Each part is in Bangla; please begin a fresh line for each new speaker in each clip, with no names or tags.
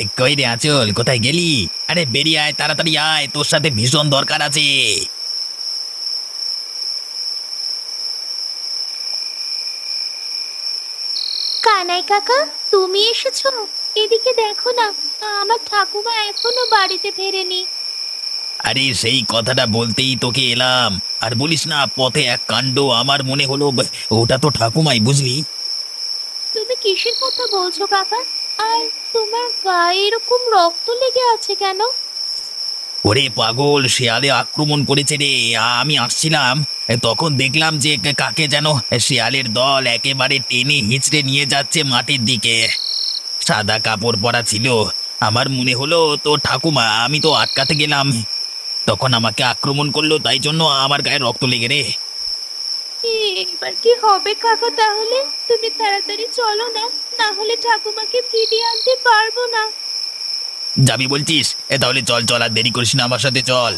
কই রে আঁচল, কোথায় গেলি? আরে বেরিয়ে আয়, তাড়াতাড়ি আয়, তোর সাথে ভীষণ দরকার আছে।
কানাই কাকা, তুমি এসেছো? এদিকে দেখো না, আমার ঠাকুমা এখনো বাড়িতে ফেরেনি।
আরে সেই কথাটা বলতেই তোকে এলাম। আর বলিস না, পথে এক কাণ্ড, আমার মনে হলো ওটা তো ঠাকুমাই, বুঝলি।
তুমি কিসের কথা বলছো কাকা? আর তোমার গায়ে এরকম রক্ত লেগে আছে কেন?
ওরে পাগল, শেয়ালে আক্রমণ করেছে রে। আমি আসছিলাম, তখন দেখলাম যে কাকে যেন শেয়ালের দল একেবারে টেনে হিঁচড়ে নিয়ে যাচ্ছে মাটির দিকে। সাদা কাপড় পরা ছিল। আমার মনে হলো তো ঠাকুমা, আমি তো আটকাতে গেলাম, তখন আমাকে আক্রমণ করলো, তাই জন্য আমার গায়ে রক্ত লেগে রে।
এবার কি হবে কাকা তাহলে? তুমি তাড়াতাড়ি চলো না, না হলে ঠাকুমাকে ফিরিয়ে আনতে পারবো না।
যাবি বলছিস? তাহলে চল চল, আর দেরি করিস না, আমার সাথে চল।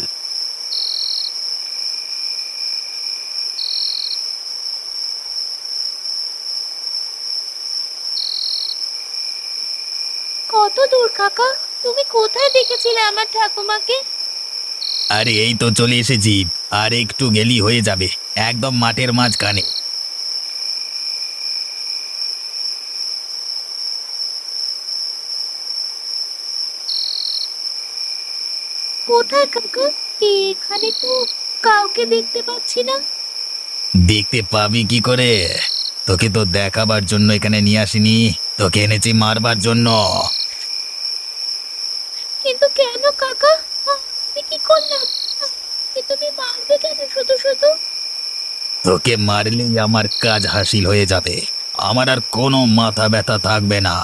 কত দূর কাকা? তুমি কোথায় দেখেছিলে আমার ঠাকুমাকে?
আরে এই তো চলে এসেছি। আর একটু গেলি হয়ে যাবে, একদম মাঠের মাঝখানে।
কোথায় কাকা? এখানে তো কাউকে দেখতে পাচ্ছি না।
দেখতে পাবি কি করে? তোকে তো দেখাবার জন্য এখানে নিয়ে আসিনি, তোকে এনেছি মারবার জন্য।
কিন্তু কেন কাকা? আমি কি করলাম? তুমি মারবে কেন শুধু শুধু?
তোকে মারলেই আমার কাজ হাসিল হয়ে যাবে। আমার আর কোনো মাথা ব্যথা থাকবে না।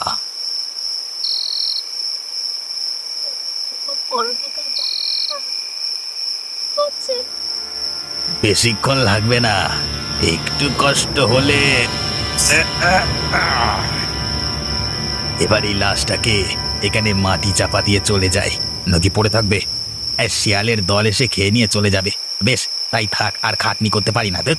করবে কাকা? হচ্ছে।
বেশিক্ষণ লাগবে না, একটু কষ্ট হলে। এবার এই লাশটাকে এখানে মাটি চাপা দিয়ে চলে যায়, নদী পড়ে থাকবে। শিয়ালের দল এসে খেয়ে নিয়ে চলে যাবে। বেশ, তাই থাক, আর খাটনি করতে পারি না।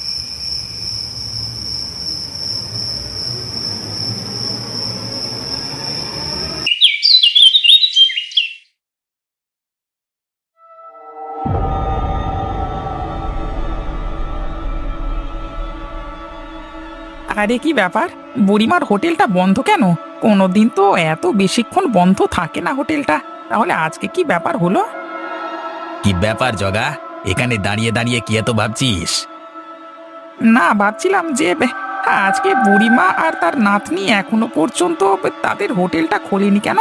আরে কি ব্যাপার, বুড়িমার হোটেলটা বন্ধ কেন? কোনোদিন তো এত বেশিক্ষণ বন্ধ থাকে না হোটেলটা। তাহলে আজকে কি ব্যাপার হলো?
কি ব্যাপার জগা? এখানে দাঁড়িয়ে দাঁড়িয়ে কি এত ভাবছিস?
না, ভাবছিলাম যে আজকে বুড়িমা আর তার নাতনি এখনো পর্যন্ত তাদের হোটেলটা খোলেনি কেন?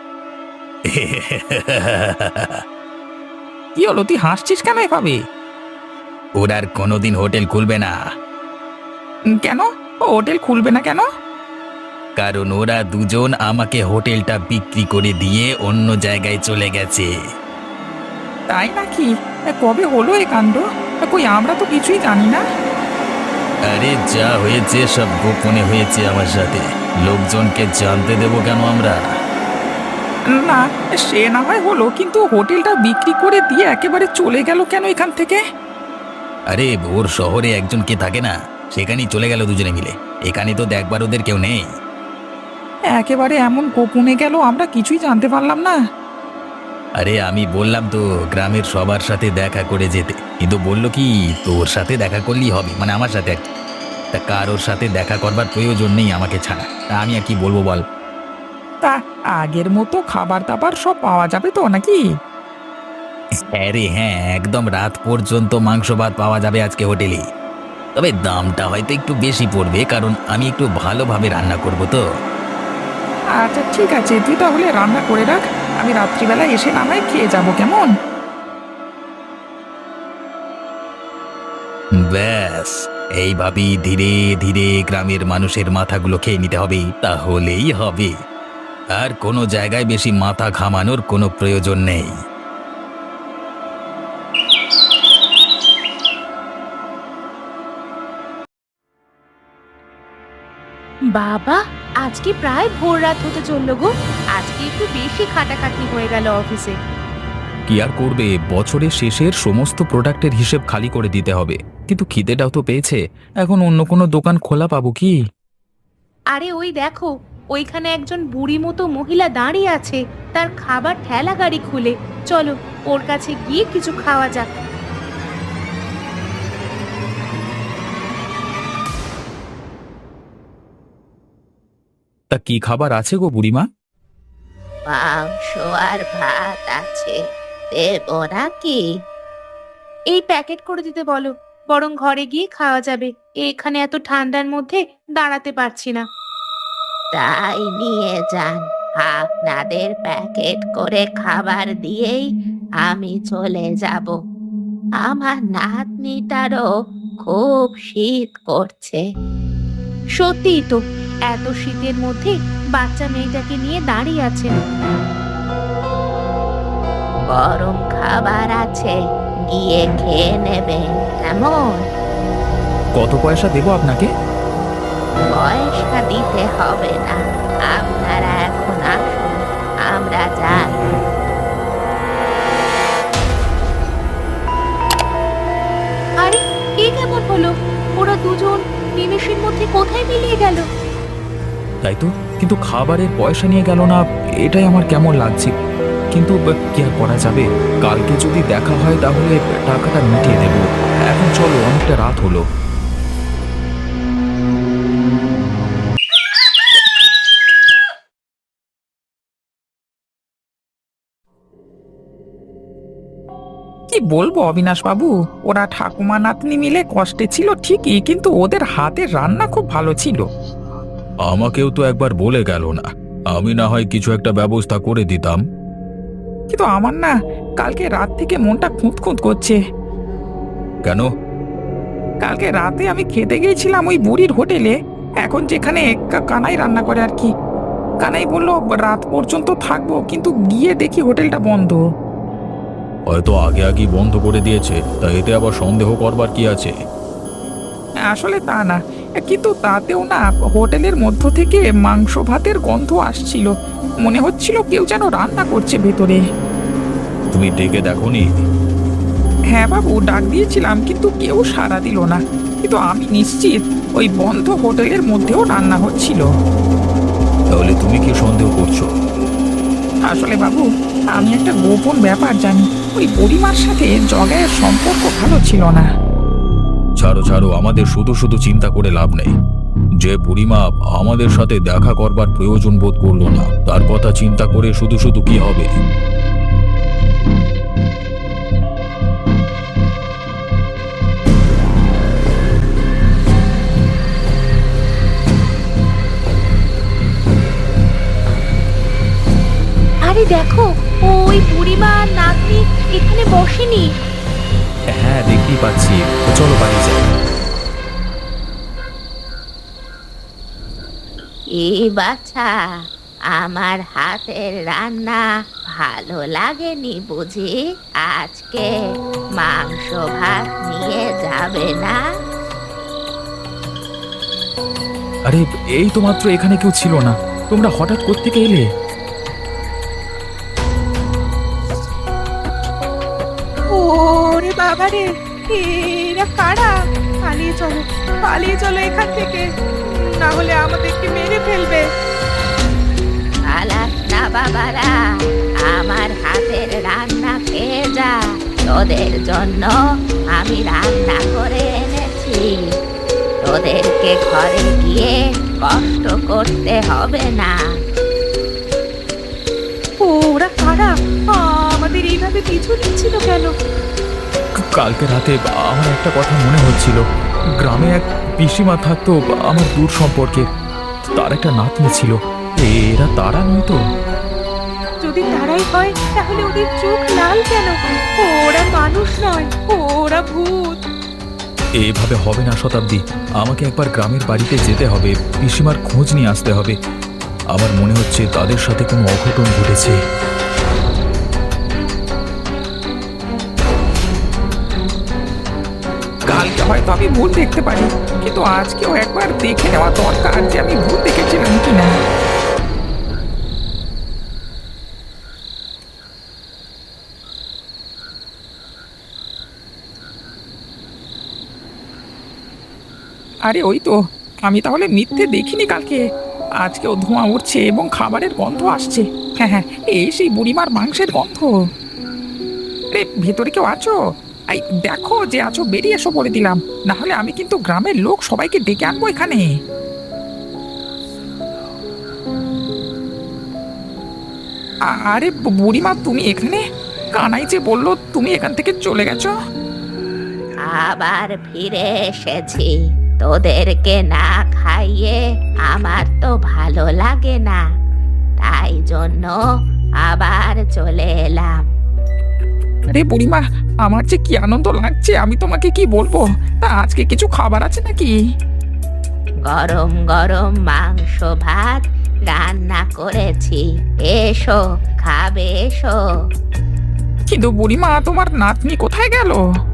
কি হলো, তুই হাসছিস কেন এভাবে?
ওরা আর কোনোদিন হোটেল খুলবে না।
কেন? ও হোটেল খুলবে না কেন?
কারণ ওরা দুজন আমাকে হোটেলটা বিক্রি করে দিয়ে অন্য জায়গায় চলে গেছে।
তাই নাকি? কবে হলো এ কাণ্ড? কই, আমরা তো কিছুই জানি না।
আরে যা হয়েছে সব গোপনে হয়েছে আমার সাথে, লোকজনকে জানতে দেবো কেন আমরা?
না, সে না হয় হলো, কিন্তু হোটেলটা বিক্রি করে দিয়ে একেবারে চলে গেল কেন এখান থেকে?
আরে ওর শহরে একজন কে থাকে না, সেখানেই চলে গেল দুজনে মিলে। এখানে তো দেখবার ওদের কেউ নেই।
একেবারে এমন গোপনে গেল, আমরা কিছুই জানতে পারলাম না।
আরে আমি বললাম তো গ্রামের সবার সাথে দেখা করে যেতে, কিন্তু বললো কি তোর সাথে দেখা করলেই হবে, মানে আমার সাথে আর কি। তা কারোর সাথে দেখা করবার প্রয়োজন নেই আমাকে ছাড়া, তা আমি আর কি বলবো বল।
তা আগের মতো খাবার দাবার সব পাওয়া যাবে তো নাকি?
হ্যাঁ রে হ্যাঁ, একদম রাত পর্যন্ত মাংস ভাত পাওয়া যাবে আজকে হোটেলে। তবে দামটা হয়তো একটু বেশি পড়বে, কারণ আমি একটু ভালোভাবে রান্না করব তো।
আচ্ছা ঠিক আছে, তুই তাহলে রান্না করে রাখ, আমি রাত্রিবেলা এসে না হয় খেয়ে যাবো, কেমন?
ব্যাস, এইভাবেই ধীরে ধীরে গ্রামের মানুষের মাথাগুলো খেয়ে নিতে হবে, তাহলেই হবে। আর কোনো জায়গায় বেশি মাথা ঘামানোর কোনো প্রয়োজন নেই।
বাবা, আজকে প্রায় ভোর রাত হতে চললো গো। আজকে একটু বেশি খাটাখাটনি হয়ে গেল অফিসে।
কি আর করবে, বছরের শেষের সমস্ত প্রোডাক্টের হিসেব খালি করে দিতে হবে। কিন্তু খিদেটাও তো পেয়েছে, এখন অন্য কোনো দোকান খোলা পাবো কি?
আরে ওই দেখো, ওইখানে একজন বুড়ি মতো মহিলা দাঁড়িয়ে আছে, তার খাবার ঠেলা গাড়ি খুলে। চলো ওর কাছে গিয়ে কিছু খাওয়া যাক।
তা কি খাবার আছে গো বুড়িমা?
মাংস আর ভাত আছে, দেবো নাকি? এই প্যাকেট করে দিতে বলো, বরং ঘরে গিয়ে খাওয়া যাবে। এখানে এত ঠান্ডার মধ্যে দাঁড়াতে পারছি না। তাই নিয়ে যান, আপনাদের প্যাকেট করে খাবার দিয়েই আমি চলে যাব। আমার নাতনিটারও খুব শীত করছে। সত্যিই তো, এত শীতের মধ্যে বাচ্চা মেয়েটাকে নিয়ে দাঁড়িয়ে আছেন। গরম খাবার আছে, গিয়ে খেয়ে নেবে কেমন?
কত পয়সা দেবো আপনাকে?
পয়সা দিতে হবে না, আপনারা এখন আসুন, আমরা যাই। আরে এ কেমন হলো? ওরা দুজন নিমেষের মধ্যে কোথায় মিলিয়ে গেল?
তাই তো, কিন্তু খাবারের পয়সা নিয়ে গেল না, এটাই আমার কেমন লাগছে। কিন্তু কি আর করা যাবে, কালকে যদি দেখা হয় তাহলে টাকাটা মিটিয়ে দেব। এখন চলো, অনেকটা রাত হলো।
কি বলবো অবিনাশ বাবু, ওরা ঠাকুমা নাতনি মিলে কষ্টে ছিল ঠিকই, কিন্তু ওদের হাতের রান্না খুব ভালো ছিল।
আমাকেও তো একবার বলে গেল না, আমি না হয় কিছু একটা ব্যবস্থা করে দিতাম।
কিন্তু আমার না কালকে রাত থেকে মনটা খুঁত খুঁত করছে।
কেন?
কালকে রাতে আমি খেতে গিয়েছিলাম ওই বুড়ির হোটেলে, এখন যেখানে কানাই রান্না করে আর কি। কানাই বলল রাত পর্যন্ত থাকবো, কিন্তু গিয়ে দেখি হোটেলটা বন্ধ।
হয়তো আগে আগেই বন্ধ করে দিয়েছে, তা এতে আবার সন্দেহ করবার কি আছে?
আসলে তা না, কিন্তু তাতেও না হোটেলের মধ্য থেকে মাংস ভাতের গন্ধ আসছিল। মনে হচ্ছিল কেউ যেন রান্না করছে ভেতরে।
তুমি ডেকে দেখোনি?
হ্যাঁ বাবু, ডাক দিয়েছিলাম কিন্তু কেউ সাড়া দিল না। কিন্তু আমি নিশ্চিত ওই বন্ধ হোটেলের মধ্যেও রান্না হচ্ছিল।
তাহলে তুমি কি সন্দেহ করছো?
আসলে বাবু, আমি একটা গোপন ব্যাপার জানি। ওই বুড়িমার সাথে জগায়ের সম্পর্ক ভালো ছিল না।
ছাড়ো ছাড়ো, আমাদের শুধু শুধু চিন্তা করে লাভ নেই। যে বুড়িমা আমাদের সাথে দেখা করবার প্রয়োজন বোধ করলো না, তার কথা চিন্তা করে শুধু শুধু কি হবে?
আরে দেখো, ওই বুড়িমা আর নাতনি এখানে বসেনি।
হ্যাঁ, দেখতেই পাচ্ছি। চলো বাড়ি যাই।
এই বাছা, আমার হাতের রান্না ভালো লাগেনি বুঝি? আজকে মাংস ভাত নিয়ে যাবে না?
আরে এই তো মাত্র এখানে কেউ ছিল না, তোমরা হঠাৎ কোত্থেকে এলে?
ওরে বাবা রে, এরা কারা? পালিয়ে চলো, পালিয়ে চলো এখান থেকে, না হলে আমাদেরকে মেরে ফেলবে। পালাস না বাবারা, আমার হাতের রান্না খেয়ে যা। তোদের জন্য আমি রান্না করে এনেছি, তোদেরকে ঘরে গিয়ে কষ্ট করতে হবে না। ওরা কারা? আমাদের এইভাবে পিছু নিচ্ছিল কেন?
কালকে রাতে আমার একটা কথা মনে হচ্ছিল। গ্রামে এক পিসিমা থাকতো আমার দূর সম্পর্কে, তার একটা নাতনি ছিল। এরা তারা নয় তো?
যদি তারাই হয় তাহলে ওদের চোখ লাল কেন? ওরা মানুষ নয়, ওরা ভূত।
এভাবে হবে না শতাব্দী, আমাকে একবার গ্রামের বাড়িতে যেতে হবে, পিসিমার খোঁজ নিয়ে আসতে হবে। আমার মনে হচ্ছে তাদের সাথে কোনো অঘটন ঘটেছে।
কালকে হয়তো আমি ভুল দেখতে পারি, কিন্তু আজকেও একবার দেখে নেওয়া দরকার যে আমি ভুল দেখেছিলাম কিনা। আরে ওই তো, আমি তাহলে মিথ্যে দেখিনি কালকে। আজকেও ধোঁয়া উঠছে এবং খাবারের গন্ধ আসছে। হ্যাঁ হ্যাঁ, এই সেই বুড়িমার মাংসের গন্ধ। রে, ভেতরে কেউ আছো? এই দেখো যে আছো, বেরিয়ে এসো বলে দিলাম, না হলে আমি কিন্তু গ্রামের লোক সবাইকে ডেকে আনবো এখানে। আরে বুড়িমা, তুমি এখানে? কানাই যে বললো তুমি এখান থেকে চলে গেছো।
আবার ফিরে এসেছি। তোদেরকে না খাইয়ে আমার তো ভালো লাগে না, তাই জন্য আবার চলে এলাম।
আরে বুড়িমা, আমার যে কি আনন্দ লাগছে আমি তোমাকে কি বলবো। তা আজকে কিছু খাবার আছে নাকি?
গরম গরম মাংস ভাত রান্না করেছি, এসো খাবে এসো।
কিন্তু বুড়িমা, তোমার নাতনি কোথায় গেল?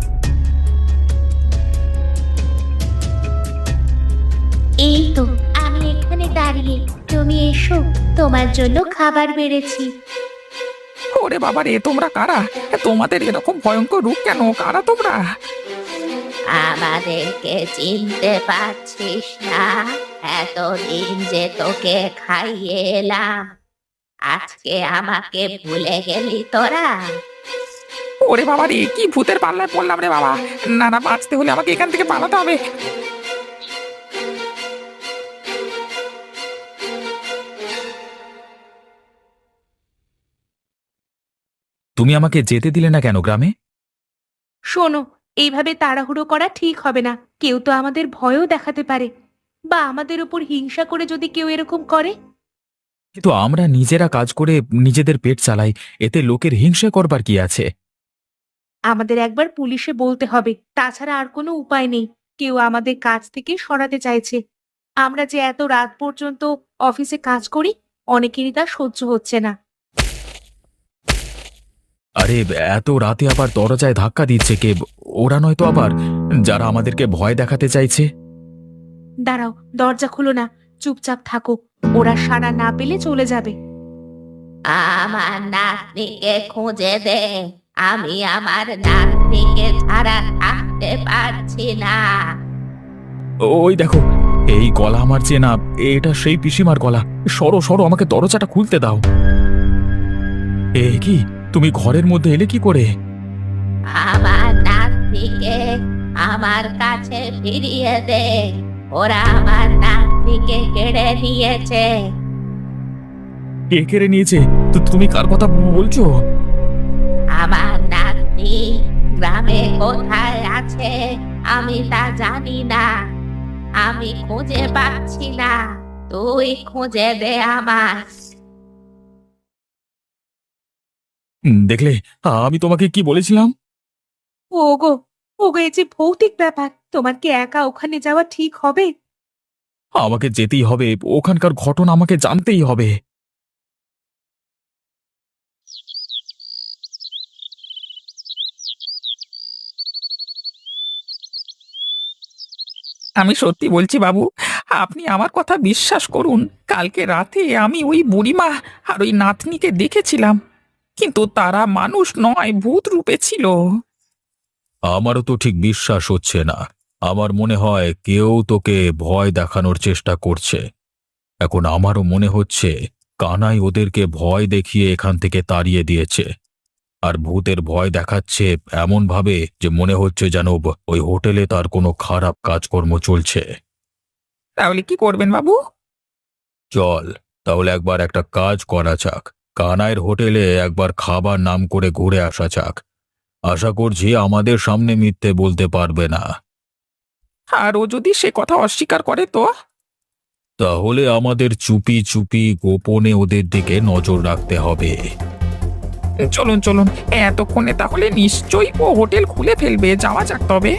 এই তো আমি এখানে দাঁড়িয়ে, তুমি এসো, তোমার জন্য খাবার বেড়েছি।
ওরে বাবা রে, তোমরা কারা? তোমাদের এরকম ভয়ঙ্কর রূপ কেন? কারা তোমরা?
আমাদেরকে চিনতে পারছিস না? এতদিন যে তোকে খাইয়ে এলাম, আজকে আমাকে ভুলে গেলি তোরা?
ওরে বাবা রে, কি ভূতের পাল্লায় পড়লাম রে বাবা। না না, বাঁচতে হলে আমাকে এখান থেকে পালাতে হবে।
তুমি আমাকে যেতে দিলে না কেন গ্রামে?
শোনো, এইভাবে তাড়াহুড়ো করা ঠিক হবে না। কেউ তো আমাদের ভয়ও দেখাতে পারে, বা আমাদের উপর হিংসা করে যদি কেউ এরকম করে।
কিন্তু আমরা নিজেরা কাজ করে নিজেদের পেট চালাই, এতে লোকের হিংসে করবার কি আছে?
আমাদের একবার পুলিশে বলতে হবে, তাছাড়া আর কোনো উপায় নেই। কেউ আমাদের কাজ থেকে সরাতে চাইছে। আমরা যে এত রাত পর্যন্ত অফিসে কাজ করি, অনেকেরই তা সহ্য হচ্ছে না।
আরে, এত রাতে আবার দরজায় ধাক্কা দিচ্ছে কে? ওরা নয়তো আবার যারা আমাদেরকে ভয় দেখাতে চাইছে?
দাঁড়াও, দরজা খুলো না, চুপচাপ থাকো, ওরা সাড়া না পেলে চলে যাবে। আমার নাতনিকে খুঁজে দে, আমি আমার নাতনিকে ছাড়া থাকতে পারছি না।
ওই দেখো, এই গলা আমার চেনা, এটা সেই পিসিমার গলা। সরো সরো, আমাকে দরজাটা খুলতে দাও। এ কি, তুমি ঘরের মধ্যে এলে কি করে?
আমার নাতনিকে আমার কাছে ফিরিয়ে দে, ওরা আমার নাতনিকে কেড়ে নিয়েছে।
কে কেড়ে নিয়েছে? তো তুমি কার কথা বলছো?
আমার নাতনি গ্রামে কোথায় আছে আমি তা জানি না, আমি খুঁজে পাচ্ছি না, তুই খুঁজে দে আমার।
দেখলে, আমি তোমাকে কি বলেছিলাম?
ওগো, ওগো, এই যে ভৌতিক ব্যাপার, তোমার কি একা ওখানে যাওয়া ঠিক হবে?
আমাকে যেতেই হবে, ওখানকার ঘটনা আমাকে জানতেই হবে।
আমি সত্যি বলছি বাবু, আপনি আমার কথা বিশ্বাস করুন। কালকে রাতে আমি ওই বুড়িমা আর ওই নাতনিকে দেখেছিলাম, কিন্তু তারা মানুষ নয়, ভূত রূপে ছিল।
আমারও তো ঠিক বিশ্বাস হচ্ছে না। আমার মনে হয় কেউ তোকে ভয় দেখানোর চেষ্টা করছে। এখন আমারও মনে হচ্ছে কানাই ওদেরকে ভয় দেখিয়ে এখান থেকে তাড়িয়ে দিয়েছে। আর ভূতের ভয় দেখাচ্ছে এমন ভাবে যে মনে হচ্ছে যেন ওই হোটেলে তার কোনো খারাপ কাজকর্ম চলছে।
তাহলে কি করবেন বাবু?
চল, তাহলে একবার একটা কাজ করা যাক। কানাইয়ের হোটেলে একবার খাবার নাম করে ঘুরে আসা যাক। আশা করছি আমাদের সামনে মিথ্যে বলতে পারবে না।
আর ও যদি সে কথা অস্বীকার করে তো?
তাহলে আমাদের চুপি চুপি গোপনে ওদের দিকে নজর রাখতে হবে।
চলুন চলুন, এতক্ষণে তাহলে নিশ্চয়ই ও হোটেল খুলে ফেলবে। যাওয়া যাক তবে।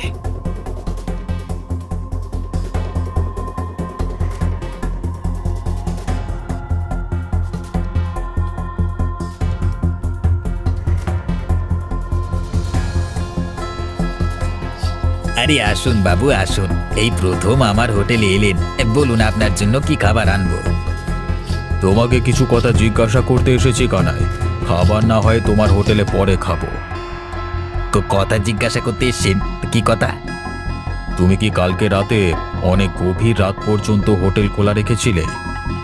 আরে আসুন বাবু, আসুন। এই প্রথম আমার হোটেলে এলেন, বলুন আপনার জন্য কি খাবার আনবো?
তোমাকে কিছু কথা জিজ্ঞাসা করতে এসেছি কানাই। খাবার না হয় তোমার হোটেলে পরে খাবো।
কথা জিজ্ঞাসা করতে এসছেন? কি কথা?
তুমি কি কালকে রাতে অনেক গভীর রাত পর্যন্ত হোটেল খোলা রেখেছিলে?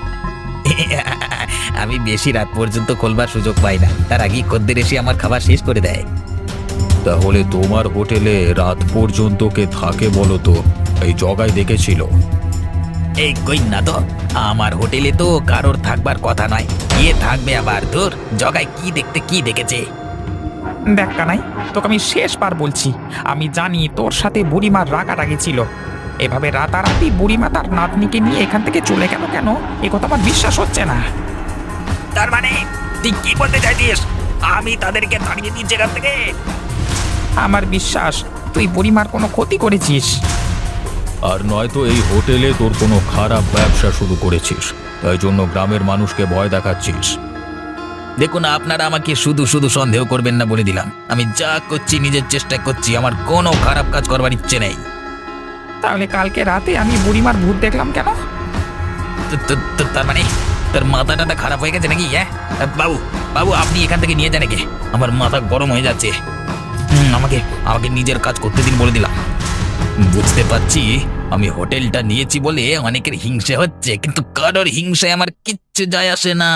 আমি বেশি রাত পর্যন্ত খোলবার সুযোগ পাই না, তার আগেই খদ্দের এসে আমার খাবার শেষ করে দেয়।
তাহলে তোমার হোটেলে রাত পর্যন্ত কে থাকে বলো তো? এই জগাই দেখেছিল?
এই কই না তো, আমার হোটেলে তো কারোর থাকবার কথা নয়, কে থাকবে আবার? তোর জগায় কি দেখতে কি দেখেছে?
দেখ কানাই, তোকে আমি শেষবার বলছি, আমি জানি তোর সাথে বুড়িমার রাগারাগি ছিল। এভাবে রাতারাতি বুড়িমা তার নাতনিকে নিয়ে এখান থেকে চলে গেল কেন, এ কথা আমার বিশ্বাস হচ্ছে না।
তার মানে তুই কি বলতে চাইছিস? আমি তাদেরকে তাড়িয়ে দিচ্ছি এখান থেকে?
আমার বিশ্বাস তুই বুড়িমার কোনো ক্ষতি করেছিস।
আর নয়তো এই হোটেলে তোর কোনো খারাপ ব্যবসা শুরু করেছিস, তাই জন্য গ্রামের মানুষকে ভয় দেখাচ্ছিস।
দেখুন, আপনারা আমাকে শুধু শুধু সন্দেহ করবেন না, বলে দিলাম। আমি যা করছি নিজের চেষ্টা করছি, আমার কোনো খারাপ কাজ করবার ইচ্ছে নেই।
তাহলে কালকে রাতে আমি বুড়িমার ভূত দেখলাম কেন?
তার মানে তোর মাথা টাথা খারাপ হয়ে গেছে নাকি? হ্যাঁ বাবু, বাবু আপনি এখান থেকে নিয়ে যান একে, আমার মাথা গরম হয়ে যাচ্ছে। আমাকে আমাকে নিজের কাজ করতে দিন, বলে দিলাম। বুঝতে পারছি আমি হোটেলটা নিয়েছি বলে অনেকের হিংসে হচ্ছে, কিন্তু কারোর হিংসায় আমার কিচ্ছু যায় আসে না।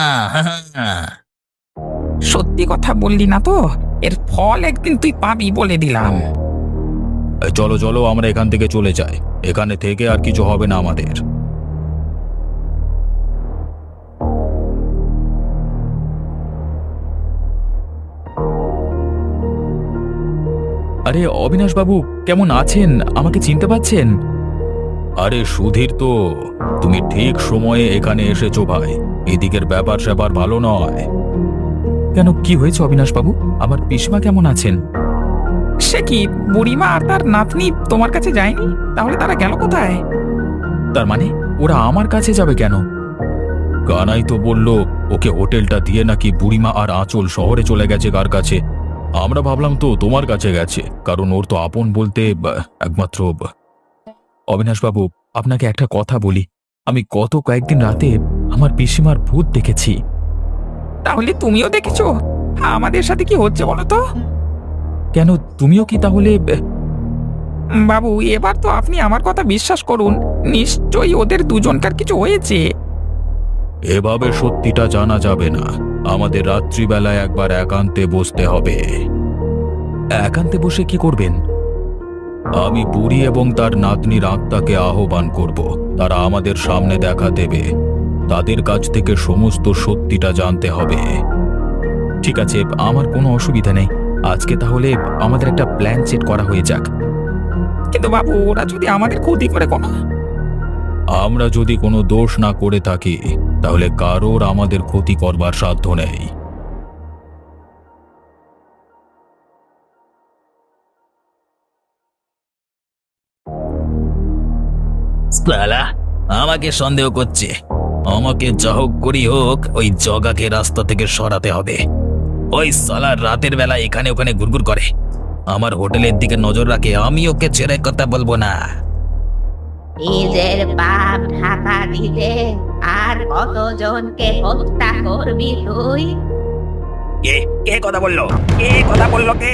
সত্যি কথা বললি না তো, এর ফল একদিন তুই পাবি, বলে দিলাম।
এই চলো চলো, আমরা এখান থেকে চলে যাই, এখানে থেকে আর কিছু হবে না আমাদের। আরে অবিনাশ বাবু, কেমন আছেন? আমাকে চিনতে পারছেন? আরে সুধীর তো, তুমি ঠিক সময়ে এখানে এসেছো ভাই। এদিকের ব্যাপার স্যাপার ভালো নয়। কেন, কি হয়েছে অবিনাশ বাবু? আমার পিসমা কেমন আছেন?
সে কি, বুড়িমা আর তার নাতনি তোমার কাছে যায়নি? তাহলে তারা গেল কোথায়?
তার মানে ওরা আমার কাছে যাবে কেন? কানাই তো বলল ওকে হোটেলটা দিয়ে নাকি বুড়িমা আর আঁচল শহরে চলে গেছে কার কাছে। আমরা ভাবলাম তো তোমার কাছে গেছে, কারণ ওর তো আপন বলতে একমাত্র। অবিনাশ বাবু, আপনাকে একটা কথা বলি, আমি গত কয়েকদিন রাতে আমার পিসিমার ভূত দেখেছি।
তাহলে তুমিও দেখেছো? আমাদের সাথে কি হচ্ছে বলো তো?
কেন, তুমিও কি তাহলে?
বাবু, এবার তো আপনি আমার কথা বিশ্বাস করুন, নিশ্চয়ই ওদের দুজনকার কিছু হয়েছে।
এভাবে সত্যিটা জানা যাবে না, আমাদের রাত্রিবেলায় একবার একান্তে বসতে হবে। একান্তে বসে কি করবেন? আমি বুড়ি এবং তার নাতনির আত্মাকে আহ্বান করব, তারা আমাদের সামনে দেখা দেবে, তাদের কাছ থেকে সমস্ত সত্যিটা জানতে হবে। ঠিক আছে, আমার কোনো অসুবিধা নেই, আজকে তাহলে আমাদের একটা প্ল্যান সেট করা হয়ে যাক।
কিন্তু বাবু, ওরা যদি আমাদের ক্ষতি করে কোনো?
আমরা যদি কোনো দোষ না করে থাকি, তাহলে কারোর আমাদের ক্ষতি করবার সাধ্য নেই।
সালা আমাকে সন্দেহ করছে, আমাকে যা হোক করি হোক ওই জগাকে রাস্তা থেকে সরাতে হবে। ওই সালা রাতের বেলা এখানে ওখানে ঘুরঘুর করে, আমার হোটেলের দিকে নজর রাখে, আমি ওকে ছেড়ে কথা বলবো না।
নিজের পাপ ঢাকা দিতে আর কতজনকে হত্যা করবি তুই?
কে কে কথা বললো? কে কথা বললো? কে?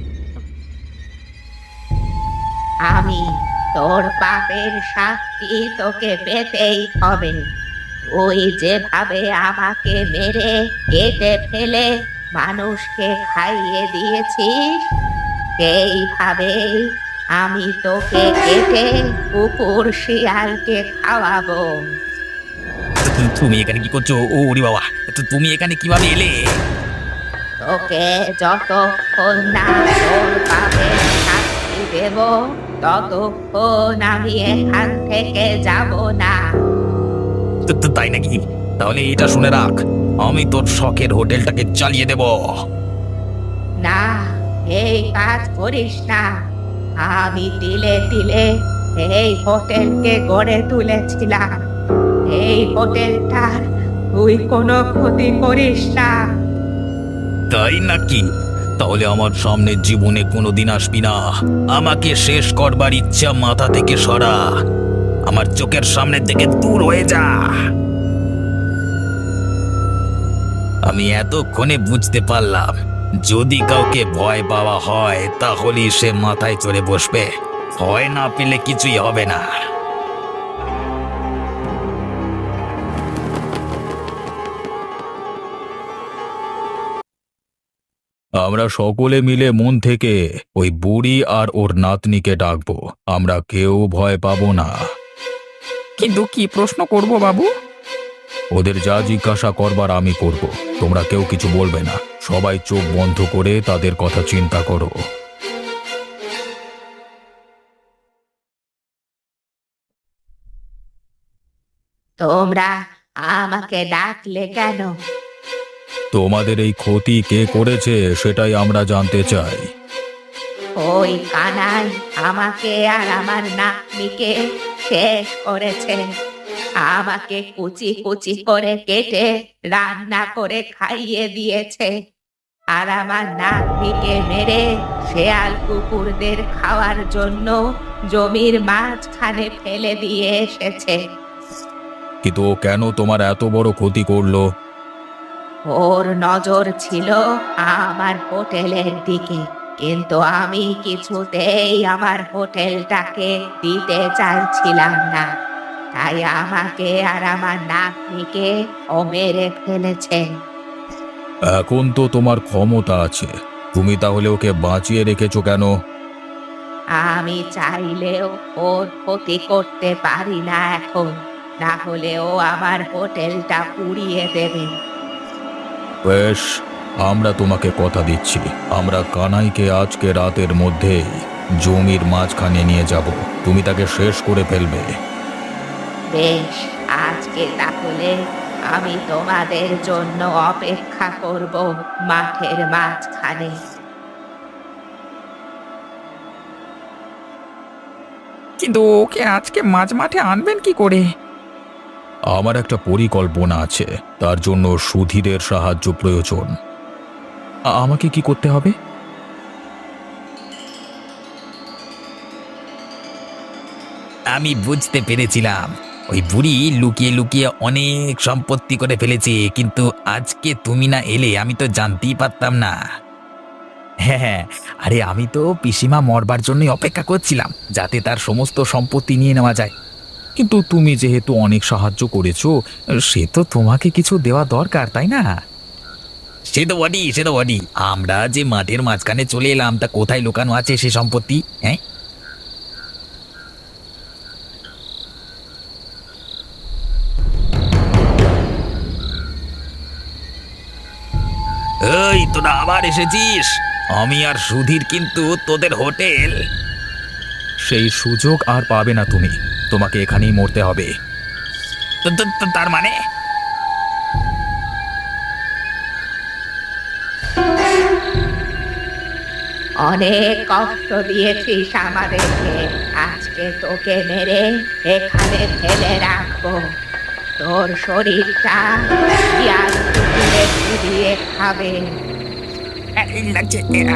আমি। তোর পাপের শাস্তি তোকে পেতেই হবে। তুই যেভাবে আমাকে মেরে কেটে ফেলে মানুষকে খাইয়ে দিয়েছিস, সেইভাবেই আমি তোকে কেটে কুকুর শিয়ালকে খাওয়াবো।
তুমি এখানে কি করছো? ও ওরে বাবা, তুমি এখানে কিভাবে এলে?
তোকে যতক্ষণ না তোর পাপের শাস্তি দেব, ততক্ষণ আমি এখান থেকে যাব না।
তাই নাকি? তাহলে এটা শুনে রাখ, আমি তোর শখের হোটেলটাকে চালিয়ে দেব।
না, এই কাজ করিস না। আমি তিলে তিলে এই হোটেলকে গড়ে তুলেছিলাম। এই হোটেলটার তুই কোনো ক্ষতি করিস না।
তাই নাকি? তাহলে আমার সামনে জীবনে কোনোদিন আসবি না। আমাকে শেষ করবার ইচ্ছা মাথা থেকে সরা, আমার চোখের সামনে থেকে দূর হয়ে যা। আমি এতক্ষণে বুঝতে পারলাম, যদি কাউকে ভয় পাওয়া হয় তাহলেই সে মাথায় চড়ে বসবে, ভয় না পেলে কিছুই হবে না।
আমরা সকলে মিলে মন থেকে ওই বুড়ি আর ওর নাতনিকে ডাকবো। আমরা কেউ ভয় পাবো না।
কিন্তু কি প্রশ্ন করব বাবু?
ওদের যা জিজ্ঞাসা করবার আমি করব। তোমরা কেউ কিছু বলবে না। সবাই চোখ বন্ধ করে তাদের কথা চিন্তা করো।
তোমরা আমাকে ডাকলে কেন?
তোমাদের এই ক্ষতি কে করেছে সেটাই আমরা জানতে চাই।
ওই কানাই আমাকে আর আমার নাতনিকে শেষ করেছে। আমাকে কুচি কুচি করে কেটে রান্না করে খাইয়ে দিয়েছে, আর আমার নাতনিকে মেরে শেয়াল কুকুরদের খাওয়ার জন্য জমির মাঝখানে ফেলে দিয়ে এসেছে।
কিন্তু ও কেন তোমার এত বড় ক্ষতি করলো?
ওর নজর ছিল আমার হোটেলের দিকে, কিন্তু আমি কিছুতেই আমার হোটেলটাকে দিতে চাইছিলাম না, তাই আমাকে আর আমার নাতনিকে ও মেরে ফেলেছে।
এখন তো তোমার ক্ষমতা আছে, তুমি তাহলে ওকে বাঁচিয়ে রেখেছো কেন?
আমি চাইলেও ওর ক্ষতি করতে পারি না এখন, না হলে ও আমার হোটেলটা পুড়িয়ে দেবে।
বেশ, আমরা তোমাকে কথা দিচ্ছি, আমরা কানাইকে আজকে রাতের মধ্যেই জমির মাঝখানে নিয়ে যাব। তুমি তাকে শেষ করে ফেলবে।
বেশ, আজকে তাহলে আমি তোমাদের জন্য অপেক্ষা করব মাঠের মাঝখানে।
কিন্তু ওকে আজকে মাঝ মাঠে আনবেন কি করে?
আমার একটা পরিকল্পনা আছে, তার জন্য সুধীরের সাহায্য প্রয়োজন। আমাকে কি করতে হবে?
আমি বুঝতে পেরেছিলাম ওই বুড়ি লুকিয়ে লুকিয়ে অনেক সম্পত্তি করে ফেলেছে, কিন্তু আজকে তুমি না এলে আমি তো জানতেই পারতাম না। হ্যাঁ হ্যাঁ, আরে আমি তো পিসিমা মরবার জন্যই অপেক্ষা করছিলাম, যাতে তার সমস্ত সম্পত্তি নিয়ে নেওয়া যায়।
কিন্তু তুমি যেহেতু অনেক সাহায্য করেছো, সে তো তোমাকে কিছু দেওয়া দরকার, তাই না?
সে তো বডি, সে তো বডি, আমরা যে মাঠের মাঝখানে চলে এলাম, তা কোথায় লুকানো আছে সে সম্পত্তি? হ্যাঁ, এই তোরা আবার এসেছিস? আমি আর সুধীর কিন্তু তোদের হোটেল।
সেই সুযোগ আর পাবে না তুমি, তোমাকে এখানেই মরতে হবে।
তার মানে?
অনেক কষ্ট দিয়েছিস আমাদেরকে, আজকে তোকে মেরে এখানে ফেলে রাখবো। তোর শরীরটা শিয়াল কুকুরে দিয়ে খাবে।
এই লাগছে।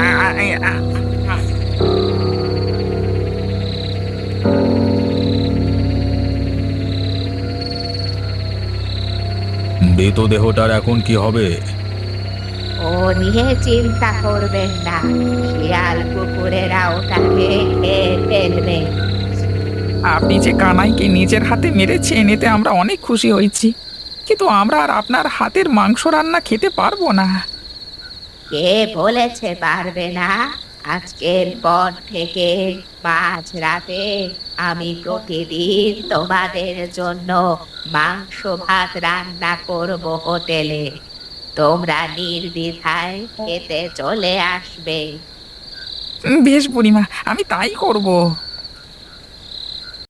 মৃতদেহটার এখন কি হবে?
ও নিয়ে চিন্তা করবেন না, শিয়াল কুকুরেরা ওটাকে খেয়ে ফেলবে।
আপনি যে কানাইকে নিজের হাতে মেরেছেন এতে আমরা অনেক খুশি হয়েছি, কিন্তু আমরা আর আপনার হাতের মাংস রান্না খেতে পারবো না।
কে বলেছে পারবে না? আজকের পর থেকে মাঝরাতে আমি প্রতিদিন তোমাদের জন্য মাংস ভাত রান্না করব হোটেলে। তোমরা নির্দ্বিধায় খেতে চলে আসবে।
বেশ বুড়িমা, আমি তাই করব।